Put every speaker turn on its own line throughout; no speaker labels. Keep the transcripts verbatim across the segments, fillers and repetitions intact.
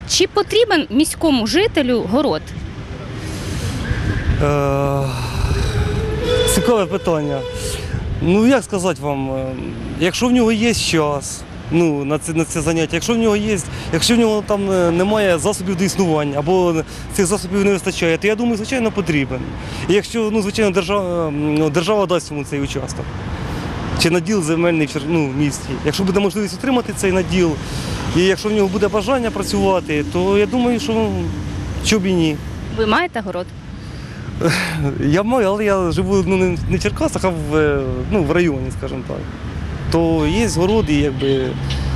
Чи потрібен міському жителю город?
Е, Цікаве питання. Ну, як сказати вам, е, якщо в нього є час, ну, на це, на це заняття, якщо в нього є, якщо в нього там е, немає засобів до існування, або цих засобів не вистачає, то я думаю, звичайно, потрібен. І якщо, ну, звичайно, держава, ну, держава дасть йому цей участок, чи наділ земельний в ну, в місті. Якщо буде можливість отримати цей наділ, і якщо в нього буде бажання працювати, то я думаю, що чому б і ні.
Ви маєте город?
Я маю, але я живу ну, не в Черкасах, а в, ну, в районі, скажімо так. То є городи, якби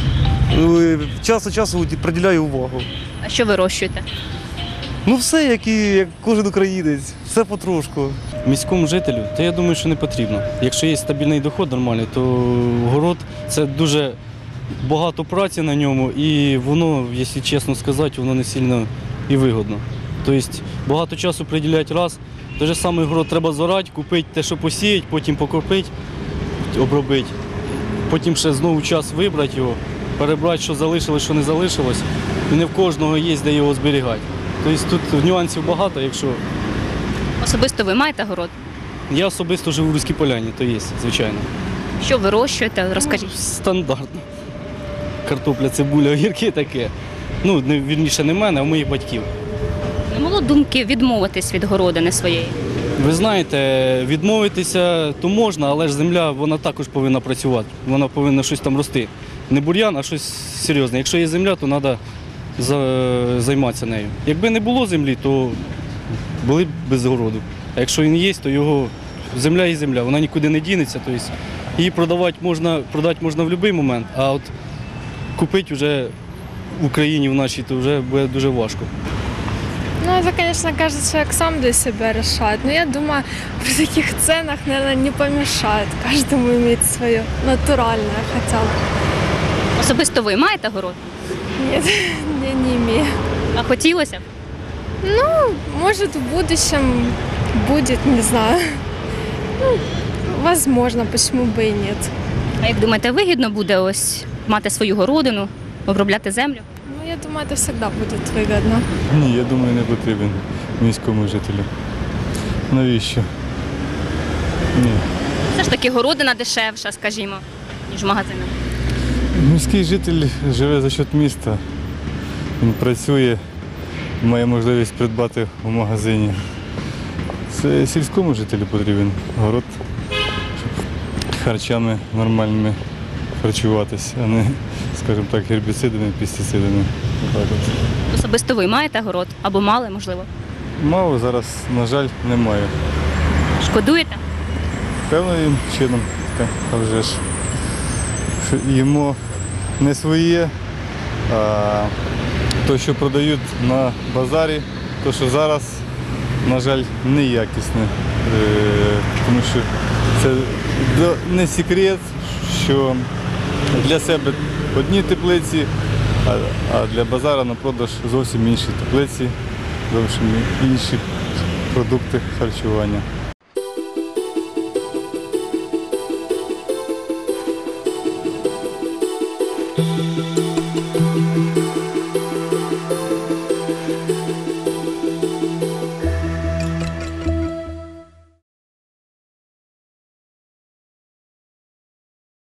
час від часу приділяю увагу.
А що вирощуєте?
Ну все, як і як кожен українець, все потрошку.
Міському жителю, то я думаю, що не потрібно. Якщо є стабільний доход нормальний, то город – це дуже багато праці на ньому, і воно, якщо чесно сказати, воно не сильно і вигодно. Тобто багато часу приділяти раз, той же самий город треба зорати, купити те, що посіяти, потім покропити, обробити, потім ще знову час вибрати його, перебрати, що залишилось, що не залишилось, і не в кожного є, де його зберігати. Тобто тут нюансів багато, якщо…
Особисто ви маєте город?
Я особисто живу в Руській Поляні, то є, звичайно.
Що вирощуєте? Розкажіть.
Стандартно. Картопля, цибуля, огірки таке. Ну, не, вірніше, не в мене, а в моїх батьків.
Не було думки відмовитись від городини своєї?
Ви знаєте, відмовитися то можна, але ж земля, вона також повинна працювати. Вона повинна щось там рости. Не бур'ян, а щось серйозне. Якщо є земля, то треба займатися нею. Якби не було землі, то були б без городу. А якщо він є, то його земля і земля, вона нікуди не дінеться. Тобто її продавати можна, продати можна в будь-який момент, а от купити вже в Україні в нашій, то вже буде дуже важко.
Ну, это, конечно, каждый человек сам для себя решает. Но я думаю, при таких ценах, наверное, не помешает каждому иметь свое натуральное хотя бы.
Особисто ви маєте город?
Нет, я не имею.
А хотілося б?
Ну, может, в будущем будет, не знаю. Ну, возможно, почему бы и нет.
А як думаєте, вигідно буде ось мати свою городину, обробляти землю?
Ну, я думаю, это всегда будет выгодно.
Ні, я думаю, не потрібен міському жителю. Навіщо? Ні.
Все ж таки городина дешевша, скажімо, ніж в магазинах.
Міський житель живе за счет міста. Він працює, має можливість придбати в магазині. Це сільському жителю потрібен город, щоб харчами нормальними харчуватися, а не, скажімо так, гербіцидами, пестицидами. Так от.
Особисто ви маєте город? Або мали, можливо?
Мало зараз, на жаль, немає.
Шкодуєте?
Певним чином, так, а вже ж. Йому не своє, а те, що продають на базарі, то, що зараз, на жаль, неякісне. Тому що це не секрет, що для себе одні теплиці, а для базару на продаж зовсім інші теплиці, зовсім інші продукти харчування.